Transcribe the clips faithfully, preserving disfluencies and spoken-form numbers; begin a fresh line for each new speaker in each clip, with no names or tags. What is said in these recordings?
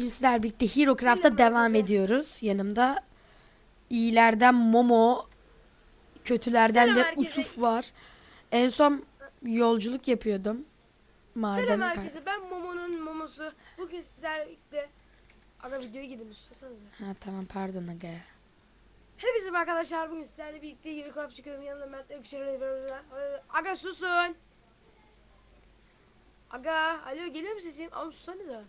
sizlerle birlikte HeroCraft'a devam ediyoruz. Yanımda iyilerden Momo, kötülerden
Selam
de
herkese.
Usuf var. En son yolculuk yapıyordum.
Selam
Madene kay-
herkese, ben Momo'nun Momo'su. Bugün sizlerle birlikte ana videoya gidin istiyorsanız.
Ha tamam pardon aga.
Hepinize merhaba arkadaşlar, bugün sizlerle birlikte HeroCraft çıkıyorum. Yanında Mert bir şeyler var. Aga susun. Aga alo, geliyor mu sesim? Ama sussanıza.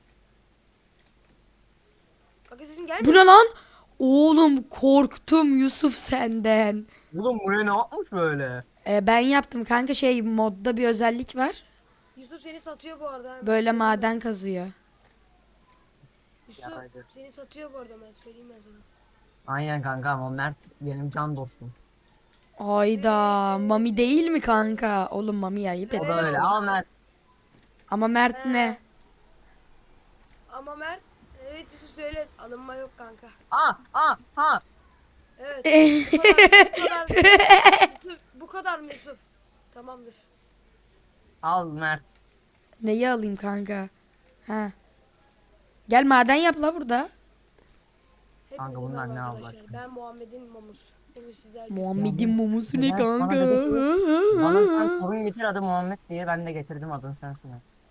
Aga sesim
Bu
gelmiyor.
ne lan? Oğlum korktum Yusuf senden.
Oğlum buraya ne yapmış böyle?
Ee, ben yaptım kanka, şey modda bir özellik var.
Yusuf seni satıyor bu arada.
Böyle
Söyleyeyim
maden
ben.
kazıyor.
Yusuf
Yaraydı.
seni satıyor bu arada, ben söyleyeyim ben sana.
Aynen kanka ama Mert benim can dostum.
Ayda Mami değil mi kanka? Oğlum Mami ayıp
O
et.
da öyle ama Mert.
Ama Mert ne?
Ama Mert, evet Yusuf söyle, alınma yok kanka.
Aa aa ha.
Evet. Bu kadar. Bu kadar. Yusuf, bu kadar mı Yusuf? Tamamdır.
Al Mert.
Neyi alayım kanka? Ha. Gel maden yap la burada.
Hepinize
Kanka bunlar
merhaba
ne
arkadaşlar.
Allah
Ben Muhammed'in Mamus. Bugün sizler
Muhammed'in mumusu ne
Neden? Bana
kanka?
dedi ki, Bana sen sorun getir adı Muhammed diye ben de getirdim adını sensin.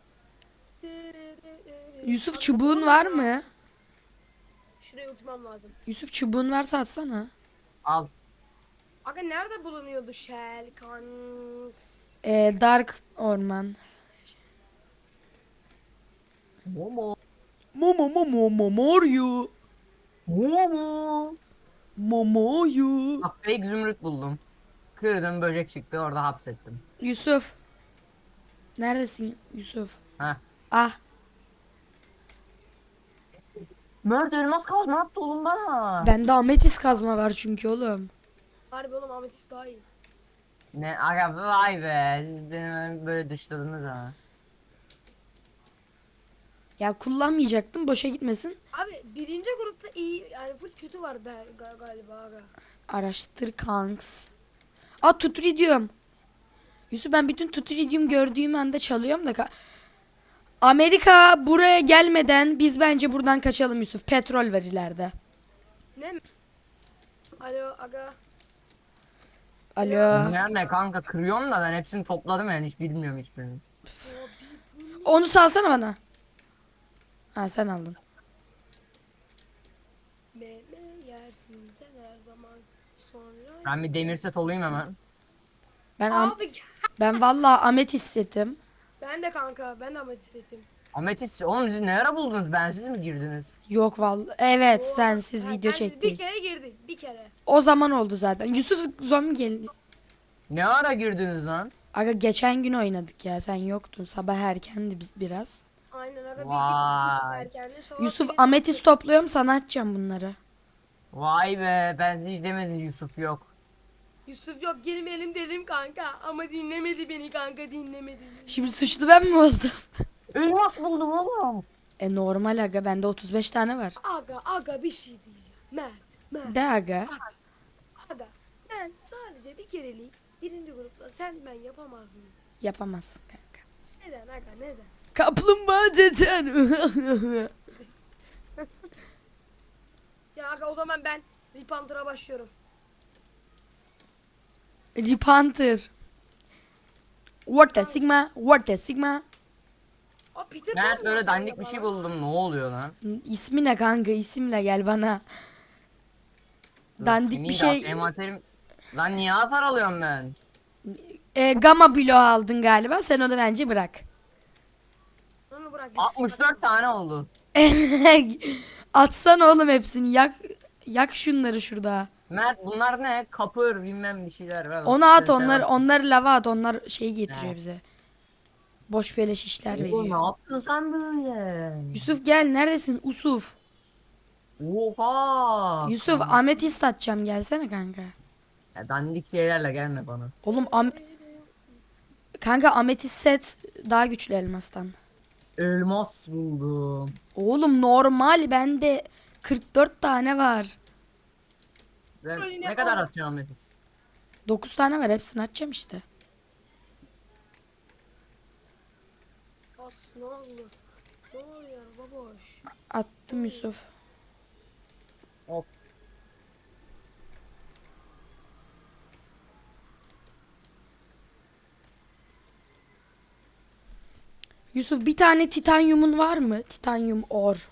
Yusuf çubuğun var mı?
Şuraya uçmam lazım.
Yusuf çubuğun varsa atsana.
Al.
Aga nerede bulunuyordu Shell Kanks?
Ee, Dark Orman.
Momo.
Momo momo momoyu.
Momo.
Momoyu.
Bak fake zümrüt buldum. Kırdım böcek çıktı orada hapsettim.
Yusuf. Neredesin Yusuf?
Heh.
Ah.
Mert elmas kaz ne yaptı oğlum bana?
Bende ametis kazma var çünkü oğlum.
Harbi oğlum, Ametist daha iyi.
Ne aga vay be siz beni böyle dışladınız ha.
Ya kullanmayacaktım, boşa gitmesin.
Abi birinci grupta iyi, yani full kötü var be, ga- galiba aga.
Araştır kanks. Aa tutridium. Yusuf ben bütün tutridium gördüğüm anda çalıyorum da. ka- Amerika buraya gelmeden biz bence buradan kaçalım Yusuf. Petrol var ileride.
Ne mi? Alo aga.
Alo.
Nerede kanka kırıyorum da ben hepsini topladım yani hiç bilmiyorum hiçbirini.
Onu salsana bana. Ha sen aldın.
Meme yersin sen her zaman sonra.
Ben bir demir set olayım hemen.
Ben am-
Abi
ben vallahi ametis setim.
ben de kanka, ben de Ametist setim.
Ametis oğlum siz ne ara buldunuz bensiz mi girdiniz?
Yok vallahi. Evet
Oo,
sensiz
ha,
video
sen
çektik.
Bir kere girdik, bir kere.
O zaman oldu zaten. Yusuf zombi geldi.
Ne ara girdiniz lan?
Aga geçen gün oynadık ya, sen yoktun. Sabah erkendi bi- biraz.
Aynen aga, bir
Vay.
bir erkenli sonra
Yusuf
bir-
ametis topluyorum, sana atacağım bunları.
Vay be ben hiç demedim Yusuf yok.
Yusuf yok, girmeyelim dedim kanka ama dinlemedi beni kanka, dinlemedi.
Şimdi suçlu ben mi oldum?
Elmas buldum oğlum.
E normal aga, bende otuz beş tane var.
Aga aga bir şey diyeceğim. Mert, Mert,
De aga.
aga. Ben sadece bir kerelik birinci grupta sen ben yapamaz mıyım?
Yapamazsın kanka.
Neden aga, neden?
Kaplumbağa deden.
Ya aga o zaman ben Ripantır'a başlıyorum.
Ripantır. What the sigma? What the sigma?
O Peter
Mert
Pan
böyle
mı
dandik
acaba
bir şey
lan?
buldum ne oluyor lan?
İsmi ne kanka? İsimle gel bana. Dandik
Dur,
bir
senin de
şey.
envanterim- Lan niye hasar alıyorum ben?
E, gamma bloğu aldın galiba. Sen onu bence bırak.
Onu bırak.
altmış dört tane oldu.
Atsana oğlum hepsini. Yak yak şunları şurada.
Mert bunlar ne? Kapır bilmem bir şeyler. Ver.
Onu at,
Sen
onlar
seversin.
onları lava at. Onlar şey getiriyor
Evet.
bize. Boş beleş işler
Oğlum
veriyor.
ne yaptın sen böyle?
Yusuf gel, neredesin Usuf?
Oha.
Yusuf ametist atacağım, gelsene kanka.
Ya dandik şeylerle gelme bana.
Oğlum am kanka ametist set daha güçlü elmastan.
Elmas buldum.
Oğlum normal bende kırk dört tane var.
Ben,
Öyle
ne
ne
kadar
oldu?
atıyorsun Metis?
dokuz tane var, hepsini atacağım işte.
As ne oluyor? Ne oluyor baboş?
Attım Yusuf.
Hop.
Yusuf bir tane titanyumun var mı? Titanyum or.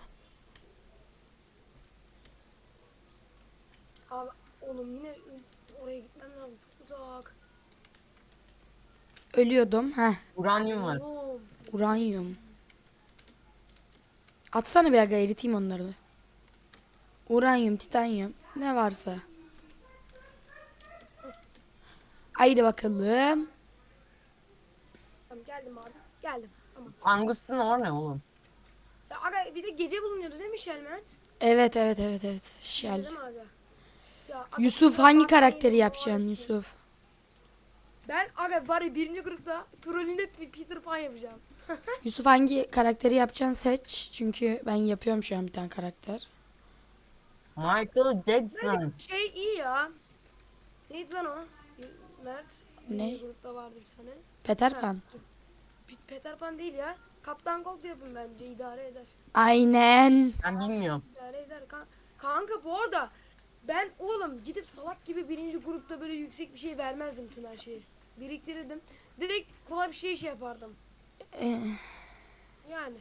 Abi oğlum yine oraya gitmem lazım. Çok uzak.
Ölüyordum. Heh.
Uranyum var.
Oğlum.
Uranyum. Atsana bir aga eriteyim onları da. Uranyum, titanyum. Ne varsa. Haydi bakalım.
Tamam geldim abi. Geldim. Tamam.
Angus'un or ne oğlum?
Ya aga bir de gece bulunuyordu değil mi Şelmet?
Evet evet evet evet. Şel.
Değil mi aga? Ya, aga,
Yusuf
ya
hangi
zaten
karakteri
yine
yapacaksın
var.
Yusuf?
Ben aga var ya birinci grupta trollünde Peter Pan yapacağım.
Yusuf hangi karakteri yapacaksın seç. Çünkü ben yapıyorum şu an bir tane karakter.
Michael Jackson.
Bence şey iyi ya. Neydi lan o? Mert.
Ne?
Birinci grupta vardı bir tane.
Peter
Ha,
Pan.
P- Peter Pan değil ya. Kaptan Gold yapın bence idare eder.
Aynen.
Ben bilmiyorum.
İdare eder. Kan- Kanka bu arada ben oğlum gidip salak gibi birinci grupta böyle yüksek bir şey vermezdim tüm her şeyi. Biriktirirdim. Direkt kolay bir şey şey yapardım.
Ee,
Yani.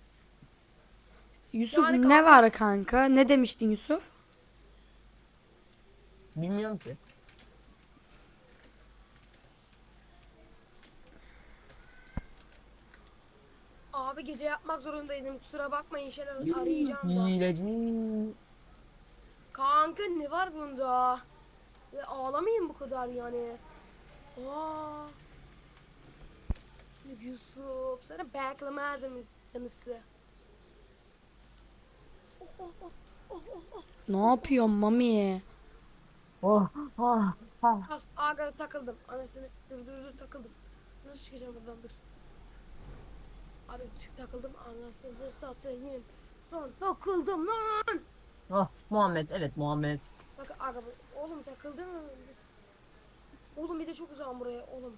Yusuf
Yani
ne
kanka-
var kanka? Ne demiştin Yusuf?
Bilmiyorum ki.
Abi gece yapmak zorundaydım. Kusura bakmayın şeyler arayacağım da.
Hileci.
Kanka ne var bunda? Ya ağlamayın bu kadar yani. Aa. Yusuf sana beklemezdim canısı. Oh, oh, oh, oh, oh, oh.
Ne yapıyorsun mami?
Oh, oh, oh.
As aga takıldım. Anasını dur dur dur takıldım. Nasıl çıkacağım buradan dur. Abi çık takıldım anasını satayım. Lan takıldım lan.
Oh, Muhammed, evet Muhammed.
Bak aga bu- oğlum takıldım. Oğlum bir de çok uzağım buraya oğlum.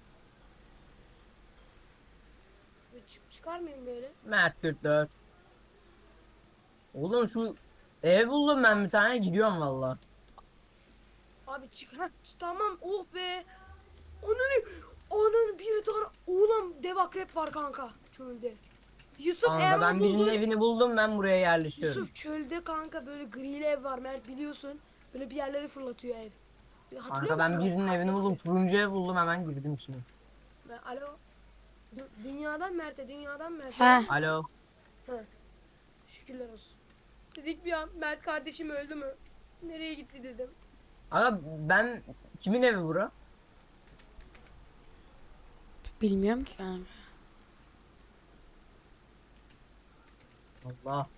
Bir çık çıkar mıyım böyle?
Mert kırk dört. Oğlum şu ev buldum ben bir tane gidiyorum valla.
Abi çık. Heh, ç- tamam oh be. Ananı ananı bir tane oğlum dev akrep var kanka çölde. Yusuf eğer
Kanka
o
ben birinin
buldun.
evini buldum ben buraya yerleşiyorum.
Yusuf çölde kanka böyle grili ev var Mert biliyorsun. Böyle bir yerleri fırlatıyor ev. Hatırlıyor
Kanka ben
musun?
birinin evini buldum. Turuncu ev buldum hemen girdim içine.
Ben, alo. Dü- Dünyadan Mert'e, dünyadan Mert'e.
Heh.
Alo.
Şükürler olsun. Dedik bir an Mert kardeşim öldü mü? Nereye gitti dedim.
Aga ben kimin evi bura?
Bilmiyorum ki kanka.
Allah.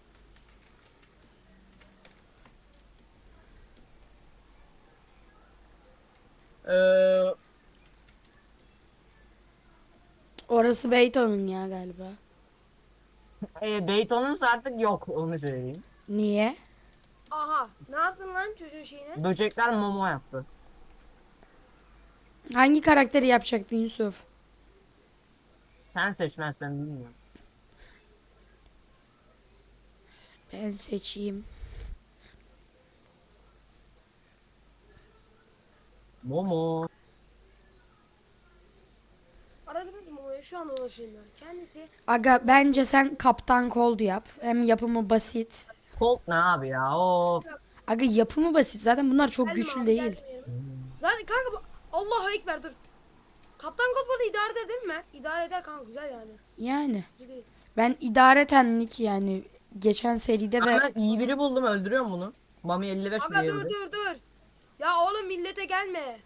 Ee,
Orası Beyton'un ya galiba.
e, Beyton'umuz artık yok onu söyleyeyim.
Niye?
Aha ne yaptın lan çocuğun şeyine?
Böcekler momo yaptı.
Hangi karakteri yapacaktın Yusuf?
Sen seçmez ben bilmiyorum.
Ben seçeyim.
Momo.
Aradınız mı onu? Şu an ulaşayım ben. Kendisi
Aga bence sen Kaptan Cold yap. Hem yapımı basit.
Colt ne abi ya? Of.
Aga yapımı basit. Zaten bunlar çok
geldim
güçlü
abi,
değil.
geldim yerime. Zaten kanka bu Allahu Ekber dur. Kaptan Kod burada idare eder değil mi Mert? İdare eder kanka güzel yani.
Yani.
Kötü değil.
Ben idaretenlik yani geçen seride
Ben,
ve
ben iyi biri buldum öldürüyorum bunu. Mami elli beş
Aga
vuruyor
dur
bir de.
dur dur. Ya oğlum millete gelme.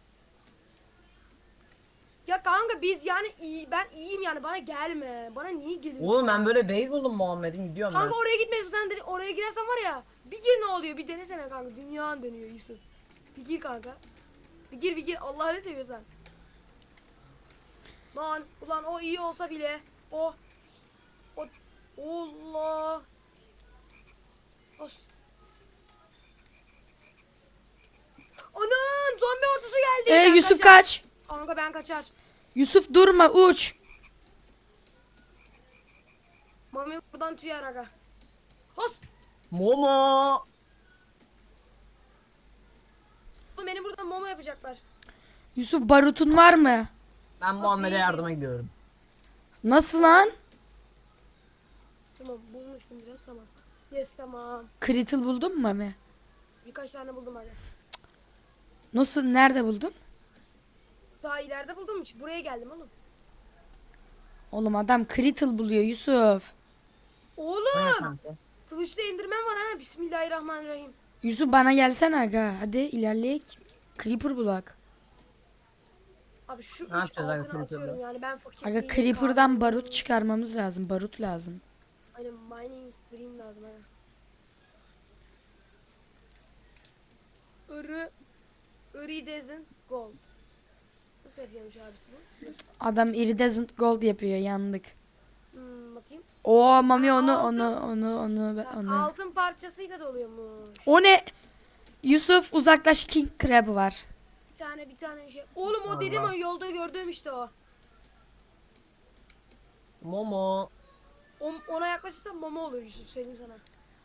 Ya kanka biz yani iyi ben iyiyim yani bana gelme. Bana niye geliyorsun?
Oğlum ben böyle bey buldum Muhammed'in gidiyorum ben.
Kanka oraya gitmesin sen de- oraya girersen var ya bir gir ne oluyor bir denesene kanka dünyan dönüyor Yusuf. Bir gir kanka. Bir gir bir gir Allah'ını seviyorsan. Lan ulan o iyi olsa bile o o Allah. Os. Anam zombi ordusu geldi.
Ee,
Ben
Yusuf
kaçar.
kaç.
Kanka ben kaçar.
Yusuf durma uç.
Mami buradan tüyer aga.
Momo.
Oğlum beni buradan momo yapacaklar.
Yusuf barutun var mı?
Ben Muhammed'e
iyi
yardıma gidiyorum.
Nasıl lan?
Tamam bulmuştum biraz tamam. Yes tamam.
Critical buldun mu Mami?
Birkaç tane buldum hadi.
Nasıl? Nerede buldun?
Daha ileride buldum hiç. Buraya geldim oğlum.
Oğlum adam critical buluyor Yusuf.
Bu ne
Oğlum.
kanka?
Kılıçla indirmem var ha. Bismillahirrahmanirrahim.
Yusuf bana gelsene aga. Hadi ilerleyek. Creeper bulak.
Abi şu üç
Ne yapacağız aga
altını
Creeper'la?
atıyorum yani ben fakir
Aga
değilim,
Creeper'dan
kahve-
barut çıkarmamız lazım. Barut lazım.
Aynen mining stream lazım ha. Irı Iridescent gold. Nasıl yapıyormuş abisi bu? Dur.
Adam iridescent gold yapıyor. Yandık.
Hmm, bakayım.
Oo Mami
Aa,
onu
altın.
onu onu onu
Ha,
onu.
altın parçasıyla doluyormuş.
O ne? Yusuf uzaklaş, King Crab var.
Bir tane bir tane şey. Oğlum o
Allah.
dedim o yolda gördüğüm işte o.
Momo.
o ona yaklaşırsan mama olur Yusuf söyleyeyim sana.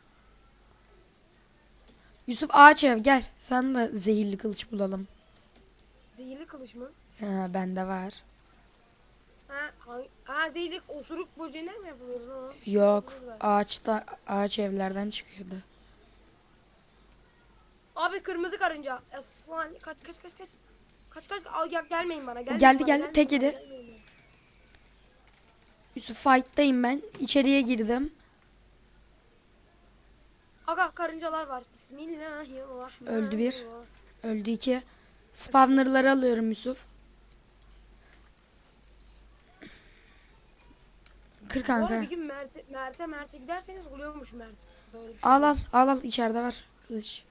Yusuf ağaç ev gel. Sen de zehirli kılıç bulalım.
Zehirli kılıç mı?
Ha bende var.
Ha, hangi, ha zehirli osuruk böceğinden mi yapılıyor lan? o?
Yok.
Burada.
Ağaçta ağaç evlerden çıkıyordu.
Abi kırmızı karınca. Aslan kaç kaç kaç kaç. Kaç kaç al gel, gelmeyin bana. Gelmeyin
Geldi,
bana,
geldi,
gelmeyin
tek
bana,
yedi.
gelmeyin bana.
Yusuf fight'tayım ben. İçeriye girdim.
Aga karıncalar var. Bismillahirrahmanirrahim.
Öldü bir. Öldü iki. Spawner'ları alıyorum Yusuf. Kır
Bu arada
kanka.
bir gün Mert'e Mert'e Mert'e giderseniz oluyormuş Mert. Böyle bir şey
Al
oluyor.
al al al içeride var kılıç.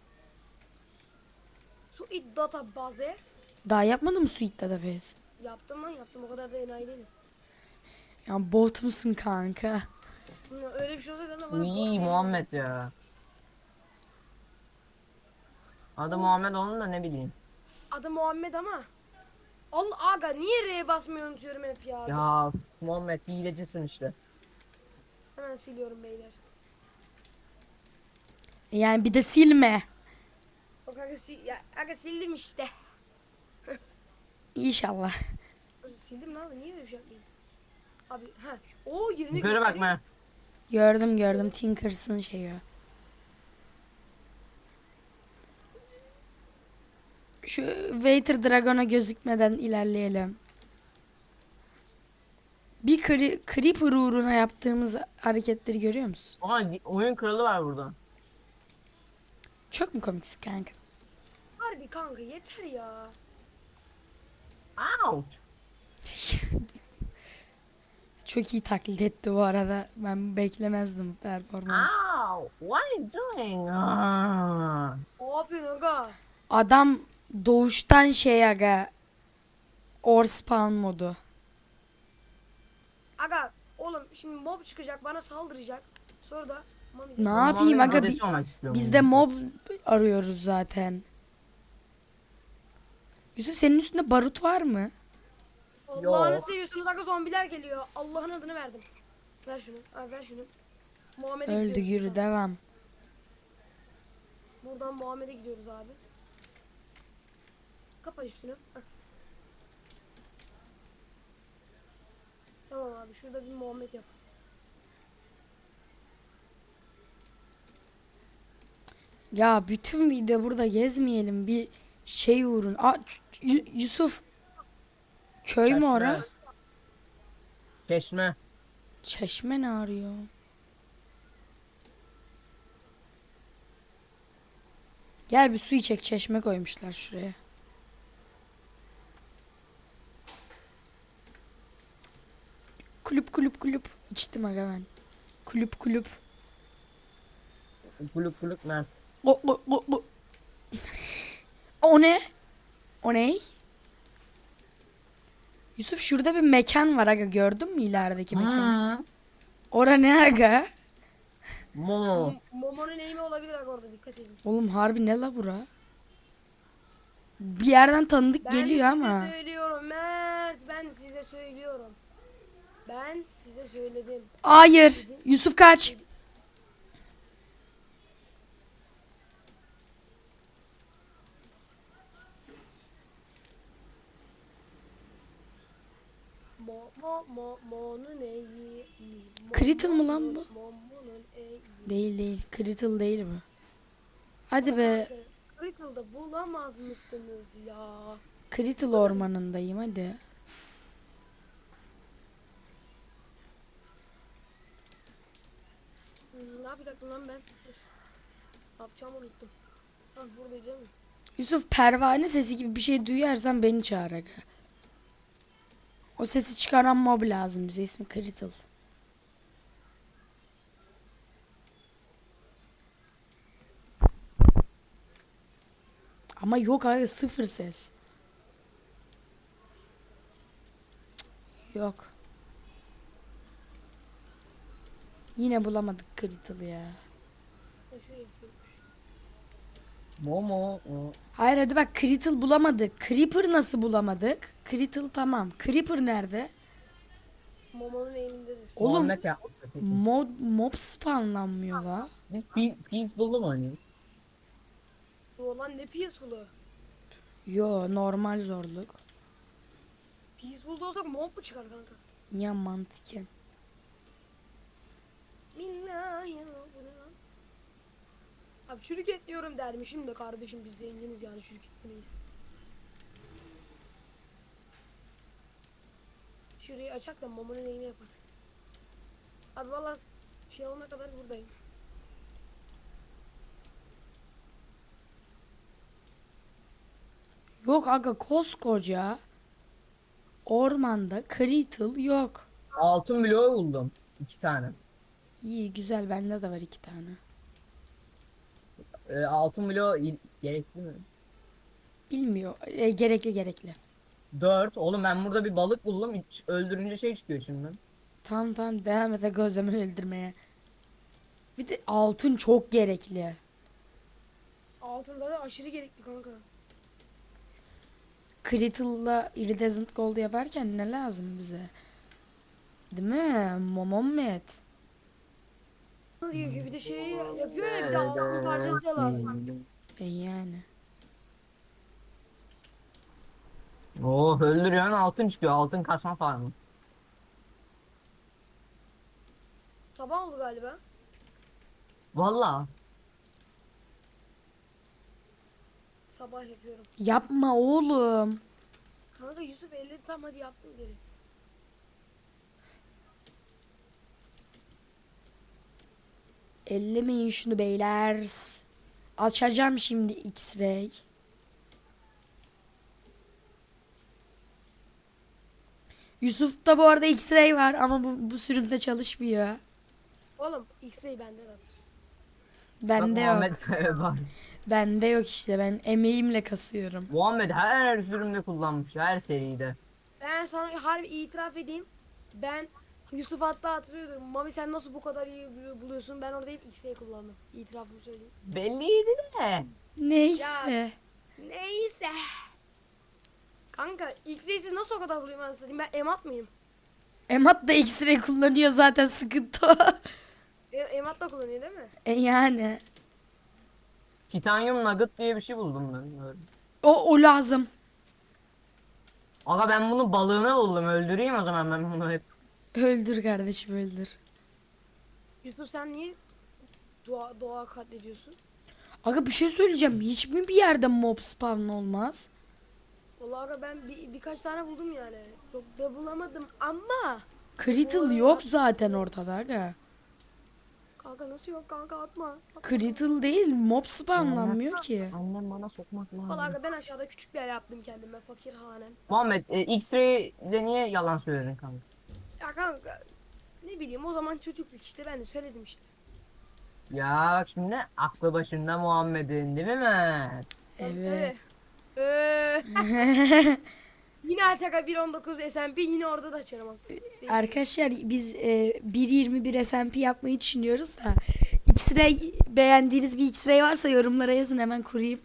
Su it data base.
Daha yapmadın mı Suite Database?
Yaptım lan yaptım o kadar da enayi değilim.
Ya bot musun kanka?
Hı, öyle bir şey olsaydı da bana
İyi Muhammed ya. Adı Muhammed onun da ne bileyim.
Adı Muhammed ama. Allah aga niye R'ye basmayı unutuyorum hep ya.
Ya Muhammed hilecisin işte.
Hemen siliyorum beyler.
Yani bir de silme.
Bak aga, sil ya, aga sildim işte.
İnşallah.
Sildim lan niye öyle bir şey yapayım? Abi ha. O yerini
Yukarı bak Mert.
Gördüm gördüm Tinkers'ın şeyi. o. Şu Waiter Dragon'a gözükmeden ilerleyelim. Bir cre- Creeper uğruna yaptığımız hareketleri görüyor musun?
Aha oyun kralı var burada.
Çok mu komiksin kanka?
Harbi kanka yeter ya.
Ouch.
Çok iyi taklit etti bu arada. Ben beklemezdim performans.
Ow. What are you doing? Ah.
Ne yapıyorsun aga?
Adam doğuştan şey aga. Or spawn modu.
Aga oğlum şimdi mob çıkacak bana saldıracak. Sonra da mami
Ne
Muhammed'in
yapayım aga?
adresi
Bi-
olmak istiyorum
biz de
bunu.
mob arıyoruz zaten. Yusuf senin üstünde barut var mı?
Allah'ını
Yok.
seviyorsunuz aga zombiler geliyor. Allah'ın adını verdim. Ver şunu. Abi ver şunu. Muhammed'e
Öldü
gidiyoruz
yürü
buradan.
devam.
Buradan Muhammed'e gidiyoruz abi. Kapa üstünü. Heh. Tamam abi şurada bir Muhammed yap.
Ya bütün video burada gezmeyelim. Bir şey uğrun. Aa, Y- Yusuf. Köy mü
Çeşme.
ora?
Çeşme.
Çeşme ne arıyor? Gel bir su içek, çeşme koymuşlar şuraya. Kulüp kulüp kulüp. İçtim aga ben. Kulüp kulüp.
Kuluk kuluk Mert.
O, o, o, o. O ne? O ne? Yusuf şurada bir mekan var aga, gördün mü ilerideki mekanı?
Hmm.
Ora ne aga?
Momo.
M- Momo'nun eğimi olabilir aga orada dikkat edin.
Oğlum harbi ne la bura? Bir yerden tanıdık
Ben
geliyor
size
ama.
söylüyorum Mert. Ben size söylüyorum. Ben size söyledim.
Hayır. Yusuf kaç.
Mo mo mo mo'nun eyi. Mo-
Critical mı lan bu?
mo- mo'nun eyi.
Değil değil. Critical değil mi? Hadi be.
Critical'da bulamaz mısınız ya?
Critical ormanındayım hadi.
Hmm, ne yapacaktım lan ben? Dur. Ne yapacağımı unuttum. Ha buradayım.
Yusuf pervane sesi gibi bir şey duyarsan beni çağır aga. O sesi çıkaran mob lazım bize, ismi Critical. Ama yok abi, sıfır ses. Cık, yok. Yine bulamadık Critical ya.
Ha, şuraya gidiyorum.
Momo. o.
Hayır hadi bak, Critical bulamadık. Creeper nasıl bulamadık? Critical tamam. Creeper nerede?
Momo'nun elindedir.
Oğlum
Muhammed yapmıştır kesin.
mod, mob spawnlanmıyor la.
Biz pe- peaceful'u mu oynuyoruz?
Bu olan ne peaceful'u?
Yo, normal zorluk.
Peaceful'da olsak mob mu çıkar kanka?
Niye mantıken?
Bismillahirrahmanirrahim. Bu ne lan? Abi çürük et diyorum dermişim de kardeşim biz zenginiz yani çürük etmeyiz. Şurayı açak da Momo'nun neyini yapar. Abi valla şey olana kadar buradayım.
Yok aga, koskoca ormanda Critical yok.
Altın bloğu buldum. İki tane.
İyi güzel, bende de var iki tane.
Ee, altın bloğu il- gerekli mi?
Bilmiyor. E, gerekli gerekli.
Dört. Oğlum ben burada bir balık buldum. Hiç öldürünce şey çıkıyor şimdi.
Tamam tamam, devam et aga o zaman öldürmeye. Bir de altın çok gerekli.
Altın zaten aşırı gerekli kanka.
Critical'la Iridescent Gold yaparken ne lazım bize? Değil mi? Momomet.
Nasıl gerekiyor bir de şey yapıyor ya bir de altın parçası da lazım.
E yani.
Oo, öldürüyorsun altın çıkıyor. Altın kasma farmı.
Sabah oldu galiba.
Valla.
Sabah yapıyorum.
Yapma oğlum.
Kanka Yusuf elleri tam hadi yaptım geri.
Ellemeyin şunu beyler. Açacağım şimdi X-ray. Yusuf'ta bu arada X-ray var ama bu, bu sürümde çalışmıyor.
Oğlum X-ray bende de.
Bende yok.
Muhammed var.
Bende yok işte, ben emeğimle kasıyorum.
Muhammed her sürümde kullanmış. Her seride.
Ben sana harbi itiraf edeyim. Ben Yusuf hatta hatırlıyorum. Mami sen nasıl bu kadar iyi bulu- buluyorsun? Ben orada hep X-ray kullandım. İtirafımı söyleyeyim.
Belliydi de.
Neyse.
Neyse. Kanka X-ray'siz nasıl o kadar bulayım ben satayım? Ben emat mıyım?
Emat da X-ray kullanıyor zaten, sıkıntı o.
E, emat da kullanıyor değil mi?
E yani.
Titanium nugget diye bir şey buldum ben. Böyle.
O, o lazım.
Aga ben bunu balığını buldum. Öldüreyim o zaman ben bunu hep.
Öldür kardeşim, öldür.
Yusuf sen niye doğa, doğa katlediyorsun?
Aga bir şey söyleyeceğim. Hiç mi bir yerde mob spawn olmaz?
Vallahi aga ben bir, birkaç tane buldum yani. Çok da bulamadım ama.
Critical yok zaten ortada aga.
Kanka nasıl yok kanka atma. atma.
Critical değil, mob spawnlanmıyor ki.
Annem bana sokmak lazım.
Vallahi aga ben aşağıda küçük bir yer yaptım kendime fakir hanem.
Muhammed e, X-Ray'de niye yalan söyledin kanka?
Ya kanka ne bileyim o zaman çocukluk işte ben de söyledim işte.
Ya bak şimdi aklı başında Muhammed'in değil mi Mert?
Evet.
Ee, yine açaka bir on dokuz S M P yine orada da açarım. ama.
Arkadaşlar biz e, bir yirmi bir S M P yapmayı düşünüyoruz da X-ray, beğendiğiniz bir X-ray varsa yorumlara yazın, hemen kurayım.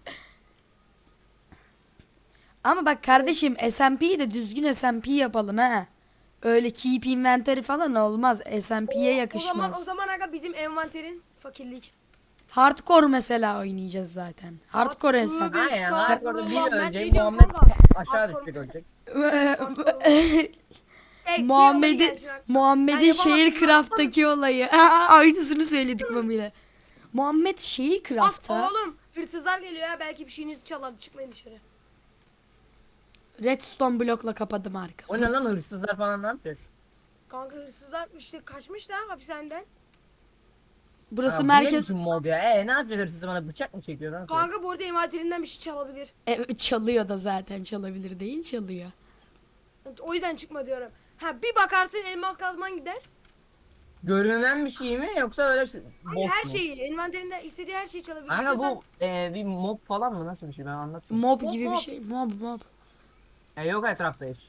Ama bak kardeşim, S M P'yi de düzgün S M P yapalım ha. Öyle keep inventory falan olmaz. S M P'ye
O zaman o
yakışmaz.
zaman aga bizim envanterin fakirlik.
Hardcore mesela oynayacağız zaten. Hardcore S M P.
Tövbe
Aynen hardcore'da bir
estağfurullah, ben
ölecek
ne diyorum
Muhammed
kanka?
aşağı
Hardcore-
düşecek ölecek.
Eksi
Muhammed'in
oldu gel şu
Muhammed'in
Ben
şehir
yapamazsın.
craft'taki olayı. Aa, aynısını söyledik Mami'yle. Muhammed şehir
Bak
craft'ta
oğlum hırsızlar geliyor ya belki bir şeyinizi çalar çıkmayın dışarı.
redstone blokla kapadım arka.
O ne lan, hırsızlar falan ne yapacak?
Kanka hırsızlar işte kaçmışlar hapishaneden.
Burası
Aa, bu ne
merkez.
biçim mod ya? E ne yapacak, hırsız bana bıçak mı çekiyor lan?
Kanka bu arada envanterinden bir şey çalabilir.
Evet, çalıyor da zaten, çalabilir değil, çalıyor.
O yüzden çıkma diyorum. Ha bir bakarsın elmas kazman gider.
Görünen bir şey mi yoksa öyle şey-
Hani
bot
her
mu?
şeyi envanterinde istediği her şeyi çalabilir.
Kanka
İstiyorsan-
bu e, bir mob falan mı, nasıl bir şey, ben anlatayım.
Mob
Mob,
gibi bir
mob.
şey. Mob mob.
E, yok etrafta hiç.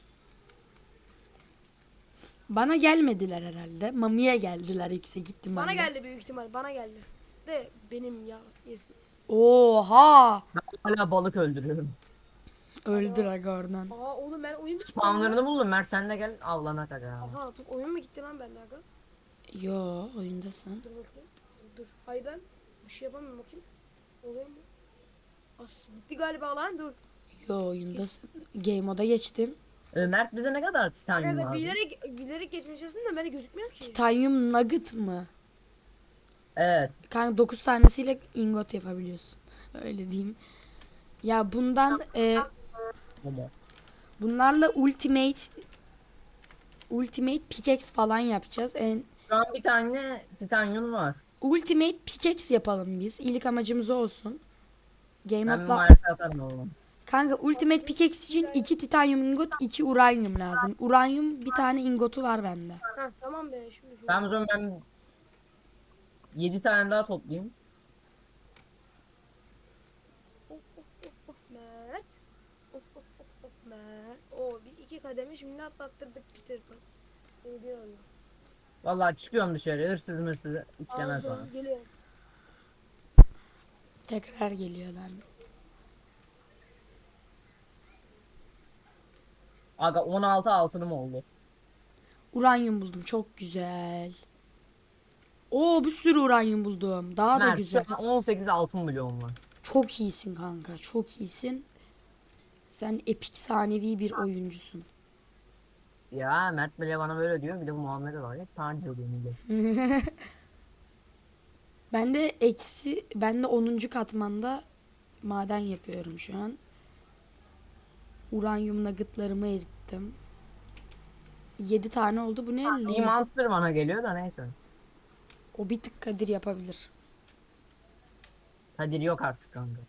Bana gelmediler herhalde. Mami'ye geldiler yüksek ihtimalle.
bana geldi büyük ihtimal bana geldi. De benim ya yesin.
Oha!
Ben hala balık öldürüyorum.
Öldür aga oradan.
Aa oğlum ben oyun bitti.
Spawnlarını buldum, Mert sen de gel avlanak aga.
Aha dur oyun mu gitti lan bende aga?
Yo, oyundasın.
Dur bakayım. Dur. Hayır ben bir şey yapamıyorum bakayım. Oluyor mu? As gitti galiba lan dur.
Yo, oyundasın. Game moda geçtin.
E, Mert bize ne kadar titanyum
Arkadaşlar
lazım?
bilerek bilerek geçmeye çalıştım da bende gözükmüyor ki.
Titanium nugget mı?
Evet.
Kanka dokuz tanesiyle ingot yapabiliyorsun. Öyle diyeyim. Ya bundan e,
Momo.
bunlarla ultimate ultimate pickaxe falan yapacağız. En
Şu an bir tane titanyum var.
ultimate pickaxe yapalım biz. İlk amacımız o olsun. Game
Ben bir
modla
marka atarım oğlum.
kanka ultimate pickaxe için iki titanium ingot, iki uranyum lazım. Uranyum bir tane ingotu var bende.
Ha tamam be şimdi. şimdi.
Ben o zaman ben yedi tane daha toplayayım.
Of of of of Mert. Of of of of Mert. Oo bir iki kademe şimdi atlattırdık Peter Pan. Şimdi bir oluyor.
Vallahi çıkıyorum dışarı, hırsız mırsız içlemez bana.
Aldım geliyor.
Tekrar geliyorlar.
Aga on altı altınım oldu.
Uranyum buldum. Çok güzel. Oo, bir sürü uranyum buldum. Daha da
Mert
güzel.
şu an on sekiz altın milyon var.
Çok iyisin kanka. Çok iyisin. Sen epik sanevi bir oyuncusun.
Ya Mert bile bana böyle diyor, bir de bu Muhammed'e var ya, taciz ediyor millet.
Ben de eksi ben de onuncu katmanda maden yapıyorum şu an. Uranyum nuggetlarımı erittim. Yedi tane oldu. Bu ne?
İyi
Lead.
monster bana geliyor da neyse.
O bir tık Kadir yapabilir.
Kadir yok artık kanka.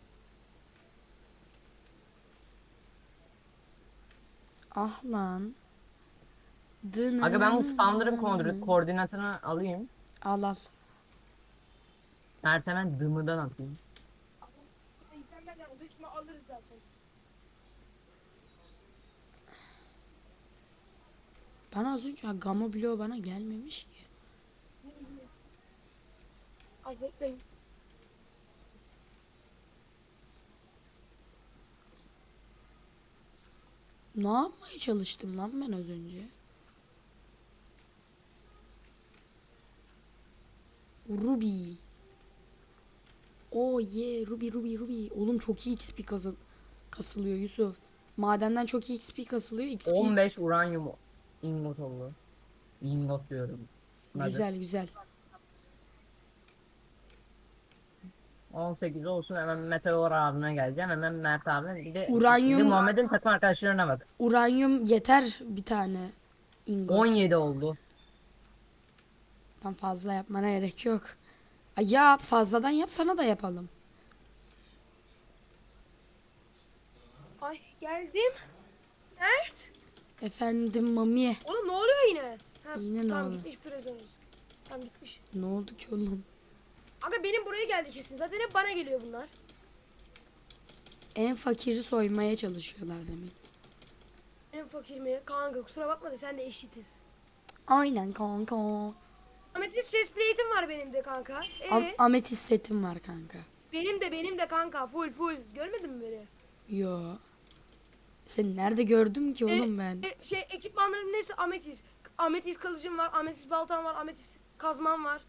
Ah lan.
Aga ben bu spawnların koordinat- koordinatını alayım.
Al al.
Mert hemen dımıdan atayım.
İnternet yani büyük ihtimal alırız zaten.
Bana az önce gamma bloğu bana gelmemiş ki.
Az bekleyin.
Ne yapmaya çalıştım lan ben az önce? Ruby. Oh yeah, Ruby Ruby Ruby. Oğlum çok iyi X P kasıl kasılıyor Yusuf. Madenden çok iyi X P kasılıyor. X P
on beş uranyum ingot oldu. Ingot diyorum. Hadi.
güzel güzel.
on sekiz olsun, hemen Meteor abine geleceğim, hemen Mert abi, bir de,
Uranyum-
bir de Muhammed'in takım arkadaşlarına bak.
Uranyum yeter bir tane ingot.
on yedi oldu.
Tam fazla yapmana gerek yok. Ay yap, fazladan yap, sana da yapalım.
Ay geldim. Mert.
Efendim Mami.
Oğlum ne oluyor yine? Ha,
Yine ne
tamam
oldu?
gitmiş prisoners. Tamam gitmiş.
Ne oldu ki oğlum?
Aga benim buraya geldi kesin. Zaten hep bana geliyor bunlar.
En fakiri soymaya çalışıyorlar demek.
En fakir mi? Kanka kusura bakma da sen de eşitiz.
Aynen kanka.
Ametist chest plate'im var benim de kanka. Ee,
Am ametist setim var kanka.
benim de benim de kanka full full. Görmedin mi beni?
Yo. Sen nerede gördüm ki oğlum
E,
ben?
e, şey ekipmanlarım neyse ametist. Ametist kılıcım var, ametist baltam var, ametist kazmam var.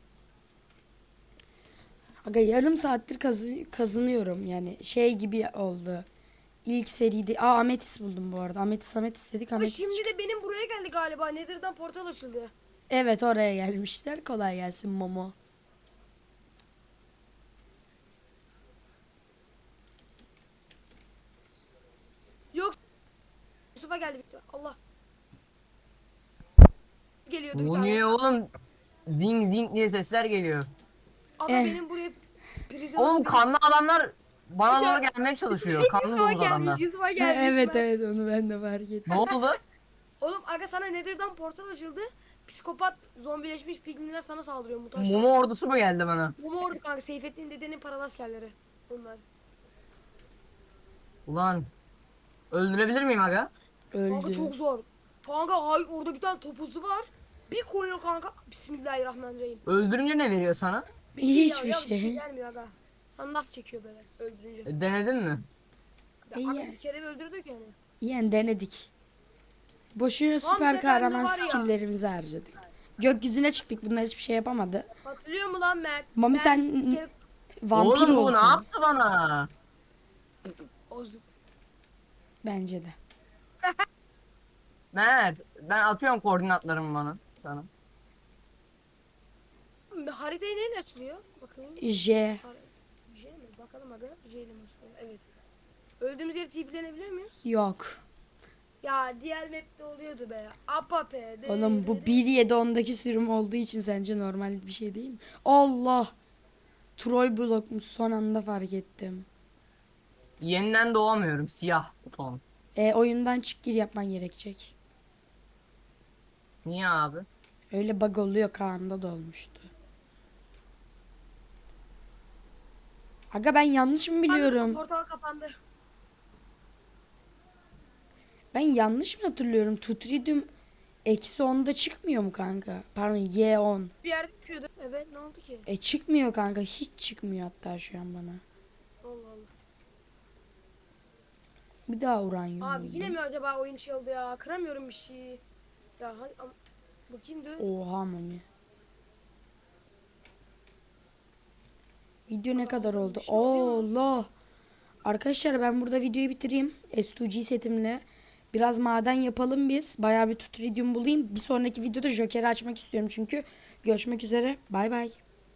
Aga yarım saattir kazı kazınıyorum yani şey gibi oldu. İlk seride. Aa ametis buldum bu arada. Ametis ametis dedik
Ama
ametis.
şimdi de benim buraya geldi galiba. Nether'dan portal açıldı.
Evet oraya gelmişler. Kolay gelsin Momo.
Yok. Yusuf'a geldi bir Allah. Geliyordu bir
Bu
tane.
niye oğlum? Zing zing diye sesler geliyor.
Ama
Eh.
benim buraya prizim.
Oğlum kanlı adamlar bana
Bir de-
doğru gelmeye çalışıyor. Kanlı
Yusuf'a
domuz
gelmiş.
adamlar.
Yusuf'a gelmiş.
evet
Ben-
evet onu ben de fark ettim.
Ne oldu?
Oğlum aga sana Nether'dan portal açıldı. Psikopat zombileşmiş pigminler sana saldırıyor mutaşlar.
Mumu ordusu mu geldi bana?
Mumu ordu kanka. Seyfettin dedenin paralı askerleri. Bunlar.
Ulan öldürebilir miyim aga?
Kanka
Öldü.
çok zor. Kanka hayır orada bir tane topuzu var. Bir koyuyor kanka. Bismillahirrahmanirrahim.
Öldürünce ne veriyor sana?
Bir şey
Hiçbir
ya, ya,
şey.
Bir şey gelmiyor aga. Sana laf çekiyor böyle öldürünce.
E, denedin mi?
Ya,
İyi
aga
ya.
bir kere bir öldürdük yani.
Yani denedik. Boşuna
Tam
süper
tepemde
kahraman
var ya.
skilllerimizi harcadık. Gökyüzüne çıktık. Bunlar hiçbir şey yapamadı.
Hatırlıyor mu lan Mert?
Mami
Ben
sen
bir kere-
vampir
Oğlum bu
oldun.
ne yaptı bana?
Oz-
Bence de.
Mert ben atıyorum koordinatlarımı bana. Sana.
Haritayı neyle açılıyor? Bakayım.
J.
Har- J mi? Bakalım aga. J ile mi açılıyor? Evet. Öldüğümüz yeri tiplenebiliyor muyuz?
Yok.
Ya diğer map'te oluyordu be. Apape. de-
Oğlum
de-
bu
de-
bir nokta yedi ondaki sürüm olduğu için sence normal bir şey değil mi? Allah. Troll blokmuş son anda fark ettim.
Yeniden doğamıyorum. Siyah buton.
E oyundan çık gir yapman gerekecek.
Niye abi?
Öyle bug oluyor Kaan'da da olmuştu. Aga ben yanlış mı biliyorum?
Portal kapandı.
Ben yanlış mı hatırlıyorum? Tutridium eksi onda çıkmıyor mu kanka? Pardon Y on.
Bir yerde çıkıyordu. Evet ne oldu ki?
E çıkmıyor kanka. Hiç çıkmıyor hatta şu an bana.
Allah Allah.
Bir daha uranyum
Abi
buldum.
yine mi acaba oyun şey oldu ya? Kıramıyorum bir şey. Ya hadi am- bakayım dur.
Oha mami. Video ne kadar oldu?
şey oluyor
Allah. Arkadaşlar ben burada videoyu bitireyim. S iki G setimle. Biraz maden yapalım biz. Bayağı bir tutridium bulayım. Bir sonraki videoda Joker'i açmak istiyorum çünkü. Görüşmek üzere. Bay bay.